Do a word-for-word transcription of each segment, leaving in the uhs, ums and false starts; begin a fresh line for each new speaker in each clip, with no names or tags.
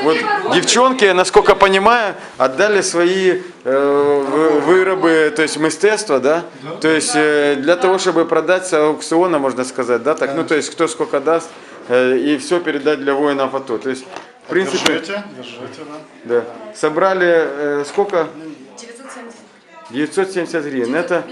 вот девчонки, насколько понимаю, отдали свои э, вырабы, то есть мистецтво, да? То есть э, для того, чтобы продать с аукциона, можно сказать, да? Так, ну то есть кто сколько даст, э, и все передать для воинов АТО. То есть, в принципе,
Держите, держите, да.
да. Собрали э, сколько?
девятьсот семьдесят.
девятьсот семьдесят гривен. Это,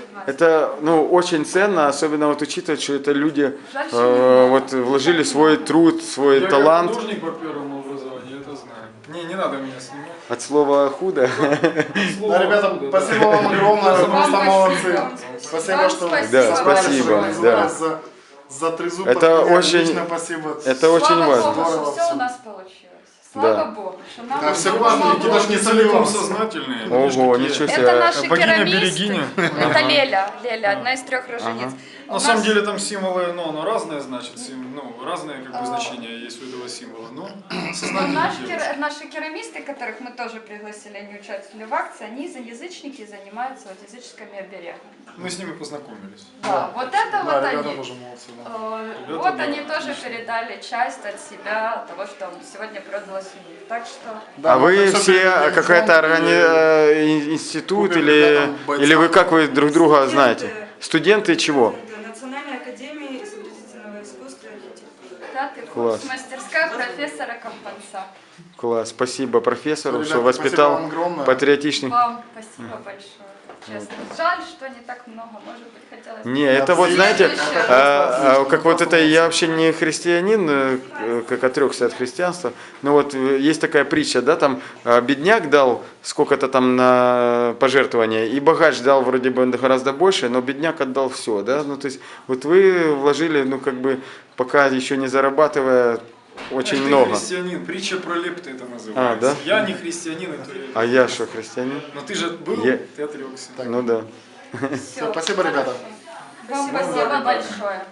это ну, очень ценно, особенно вот учитывая, что это люди э, вот, вложили свой труд, свой
Я
талант.
как художник по первому образованию, это знаю. Не, не надо меня снимать.
От слова худо.
Слово
Да, ребята,
худо,
спасибо вам огромное, вы просто молодцы. Спасибо, что
Да,
собрались,
спасибо,
что организовали
да.
за, за трезуб.
Это
подняли.
очень-
Отлично, спасибо.
Это очень
Слава
важно.
Богу,
Здорово
что все
всё.
у нас получилось. Слава
Да.
Богу, что нам
Да, все
всё
важно,
помогло.
Никита ж не
целиком
сомневался.
сознательные.
Ого, ничего себе.
Это наши
Богиня
керамисты.
Берегиня.
Это Леля, Леля, одна из трех рожениц. У
На
нас-
самом деле там символы, ну, оно разное, значит, сим- ну, разные как бы значения есть у этого символа, но
Но
сознательно
наш
делают.
кер- наши керамисты, которых мы тоже пригласили, они участвовали в акции, они за язычники занимаются вот языческими оберегами.
Мы с ними познакомились.
Да, вот это
Да,
вот
ребята
они.
тоже молодцы. Да.
Э,
Ребята,
Вот
да,
они тоже
отлично.
передали часть от себя, того, что сегодня продалось у них. Так что
Да,
А
мы
вы
это всё
все
передадим
какая-то
фонду,
органи...
и-
э, ин- институт
купим
или...
ребятам бойцам.
или вы как вы друг друга
Студенты.
знаете? Студенты чего?
Национальной академии изобразительного искусства и архитектуры.
пятый
Класс.
курс, мастерская профессора Компанца.
Класс, спасибо профессору,
Ребята,
что
спасибо
воспитал
вам огромное.
патриотичных.
Вам спасибо большое. Честно. Жаль, что не так много, может быть, хотелось бы.
Не, это вот, знаете, а, а, как вот это, я вообще не христианин, э, как отрекся от христианства, но вот э, есть такая притча, да, там а, бедняк дал сколько-то там на пожертвования, и богач дал вроде бы гораздо больше, но бедняк отдал все, да, ну то есть вот вы вложили, ну как бы, пока еще не зарабатывая, очень
Ты
много.
христианин, притча про лепты это называется.
А, да?
Я не христианин, это я.
А я что, христианин?
Но ты же был,
Я-
ты отрекся.
Ну да.
Всё,
Спасибо, ребята.
Вам спасибо большое.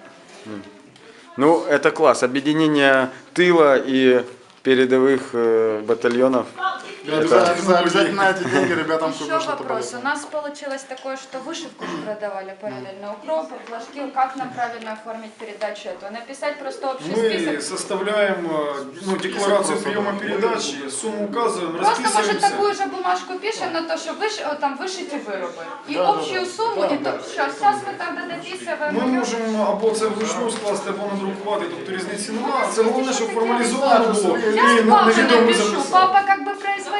Ну, это класс. Объединение тыла и передовых э, батальонов.
Ребята, за- обязательно эти деньги ребятам
Еще
купим что-то
вопрос. У
полезное.
нас получилось такое, что вышивку продавали параллельно. Укропы, флажки. Как нам правильно оформить передачу эту? Написать просто общий
Мы
список?
составляем э, ну, декларацию приема передачи, сумму указываем,
Просто, может,
расписываемся.
такую же бумажку пишем на то, что выш... о, там вышите вырубы. И
Да, да,
общую
да.
сумму,
Да,
и
да.
тут сейчас, сейчас мы тогда дописуємо.
Ми можемо або це вручну скласти, або надрукувати, тобто різниці немає. Це головне, щоб формалізовано було
Я
і
папе
невідомо
напишу.
записати.
Папа как бы производитель.